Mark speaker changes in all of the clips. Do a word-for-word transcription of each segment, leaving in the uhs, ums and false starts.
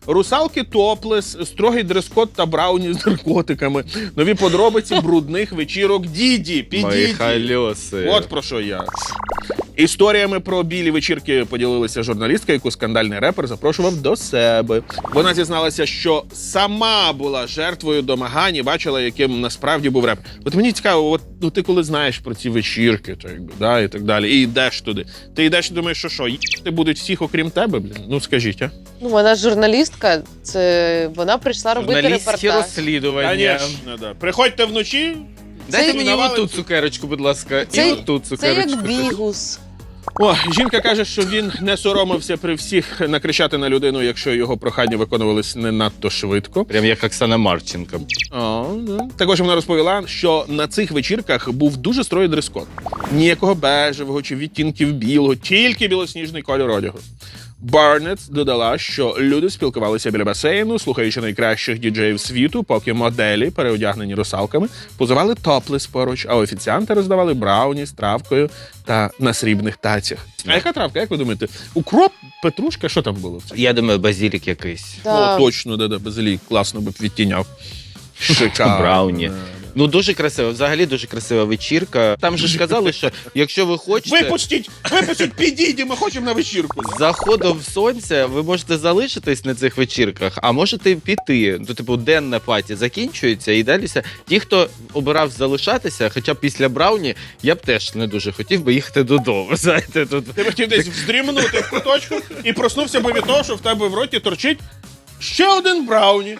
Speaker 1: Русалки топлес, строгий дрес-код та брауні з наркотиками. Нові подробиці брудних вечірок Діді.
Speaker 2: Мої
Speaker 1: Підіді.
Speaker 2: хальоси.
Speaker 1: От про що я. Історіями про білі вечірки поділилася журналістка, яку скандальний репер запрошував до себе. Вона зізналася, що сама була жертвою домагань і бачила, яким насправді був реп. От мені цікаво, от ну ти коли знаєш про ці вечірки, то якби, да, і так далі, і йдеш туди. Ти йдеш і думаєш, що що, їсти будуть всіх, окрім тебе, блін? Ну скажіть, а?
Speaker 3: Ну, вона журналістка, це вона прийшла робити
Speaker 2: Журналістські
Speaker 3: репортаж.
Speaker 2: розслідування.
Speaker 1: Конечно, да. Приходьте вночі.
Speaker 2: Дайте
Speaker 3: Це
Speaker 2: мені
Speaker 1: навалить-
Speaker 2: оту цукерочку, будь ласка,
Speaker 3: Це-
Speaker 2: і оту
Speaker 3: Це
Speaker 2: цукерочку.
Speaker 3: як бігус.
Speaker 1: О, жінка каже, що він не соромився при всіх накричати на людину, якщо його прохання виконувались не надто швидко.
Speaker 2: Прям як Оксана Марченко.
Speaker 1: О, да. Також вона розповіла, що на цих вечірках був дуже строгий дрес-код. Ніякого бежевого чи відтінків білого, тільки білосніжний кольор одягу. Барнетт додала, що люди спілкувалися біля басейну, слухаючи найкращих діджеїв світу, поки моделі, переодягнені русалками, позували топлес поруч, а офіціанти роздавали брауні з травкою та на срібних тацях. А яка травка, як ви думаєте? Укроп, петрушка, що там було?
Speaker 2: Я думаю, базілік якийсь.
Speaker 3: Да.
Speaker 1: О, точно, да-да, базилік, класно би б відтіняв. Шикарно.
Speaker 2: Брауні.
Speaker 1: Да.
Speaker 2: Ну, дуже красиво, взагалі дуже красива вечірка. Там же ж казали, що якщо ви хочете,
Speaker 1: Випустіть, випустіть, підійді, ми хочемо на вечірку.
Speaker 2: з заходом сонця ви можете залишитись на цих вечірках, а можете піти. Ну, типу, денна паті закінчується і далі. Ті, хто обирав залишатися, хоча б після брауні, я б теж не дуже хотів би їхати додому. Знаєте, тут
Speaker 1: Ти б хотів десь вздрімнути в куточку і проснувся би від того, що в тебе в роті торчить ще один брауні.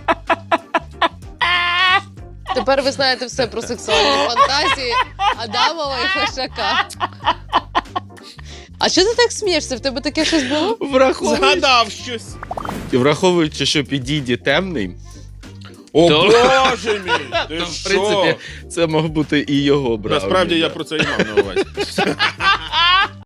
Speaker 3: Тепер ви знаєте все про сексуальні фантазії Адамова і Фешака. А що ти так смієшся? В тебе таке щось було?
Speaker 2: враховуючи,
Speaker 1: Згадав щось.
Speaker 2: враховуючи, що підійді темний,
Speaker 1: О,
Speaker 2: То-
Speaker 1: Боже мій! Ти
Speaker 2: то, в
Speaker 1: що?
Speaker 2: принципі, це мог бути і його брауні.
Speaker 1: Насправді
Speaker 2: да.
Speaker 1: я про це і мав на увазі.